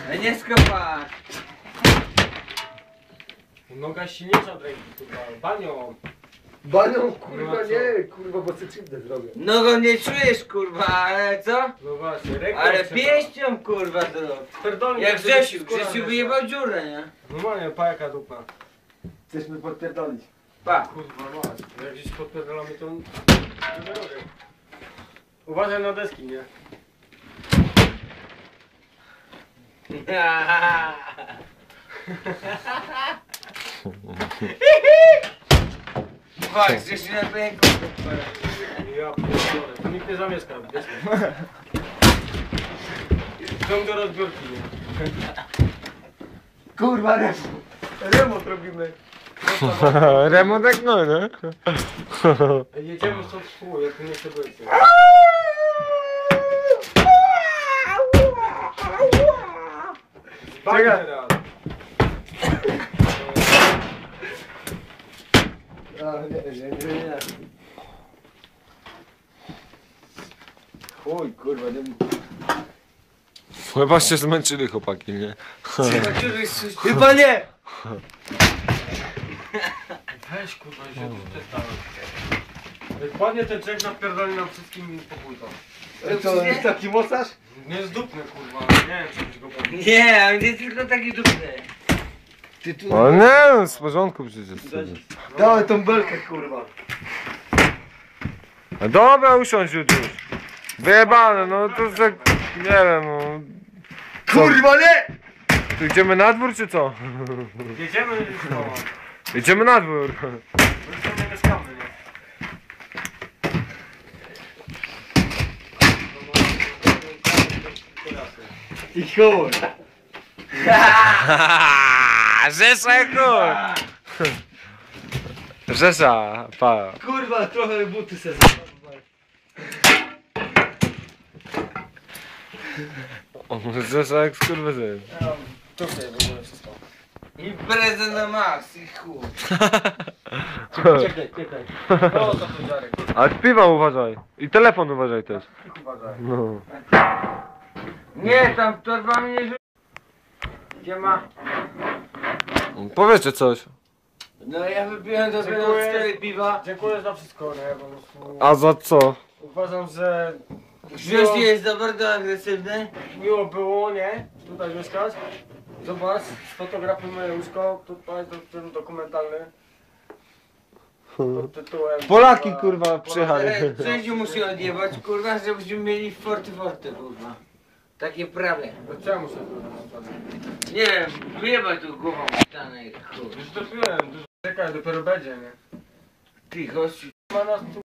Nie skopać. Noga silniejsza od ręki, kurwa. Banią. Banią, kurwa, No nie, kurwa, bo sobie krzywdę zrobię. Nogą nie czujesz, kurwa, ale co? No właśnie, ręką Ale trzeba. pięścią, kurwa, zrób. Pierdolnik, Jak żeby Grzesiu, skóra Grzesiu weszła. wyjebał dziurę, nie? Normalnie, pa jaka dupa. Chcesz mnie podpierdolić. Pa. Kurwa, mać. Jak gdzieś podpierdolamy, to... nie robię. Uważaj na deski, nie? Chodź, Grzesiu na pęku. Ja pierdolę, to nikt nie zamieszka, wiesz? Ciąg do rozbiórki, nie? Kurwa, remont robimy. Remont jak no, nie? Jedziemy stąd w pół, jak tu nie chce być. nie? Czekaj. teraz. A, nie. Chuj, kurwa, nie Chyba się zmęczyli chłopaki, nie? Chyba nie! Weź kurwa, że tu przestałem. Jak padnie ten czek, napierdoli nam wszystkim pokój to. To jest taki mocarz? Nie zdupny kurwa, nie wiem czy go powiem. Nie, on jest tylko taki dupny. Ty tu... O nie, no, w porządku przecież. Dawaj tą belkę, kurwa. No dobra, usiądź już. Wyjebane, no to tak, nie wiem, no. Kurwa, nie! Tu idziemy na dwór czy co? Jedziemy już no. Idziemy na dwór. My już tam nie mieszkamy, nie? I chuj. Rzesza kur! Rzesza, pa. Kurwa, trochę buty se zabrałem. Rzesza jak skurwysyn. Tu sobie będziemy wszystko. Impreza na max i chuj. Czekaj. O, to podziarek. A piwa uważaj. I telefon uważaj też. Uważaj. No. Nie, tam torbami nie rzuć. Gdzie ma? Powiedzcie coś. No ja wypiłem do tego Dziękuję. 4 piwa. Dziękuję za wszystko, nie? Po prostu A za co? uważam, że Grzesiu jest za bardzo agresywny. miło było, nie? Tutaj mieszkać. Zobacz, sfotografujmy łóżko, tutaj to film dokumentalny. Pod tytułem... Polaki kurwa przyjechali. Grzesiu musi odjebać, kurwa, żebyśmy mieli forty, kurwa. Takie prawie. To czemu się tu Nie wiem, wyjebaj tu głową w ścianę i chuj. Już to piłem, dużo czekaj, dopiero będzie, nie? Ty gościu. Ma nas tu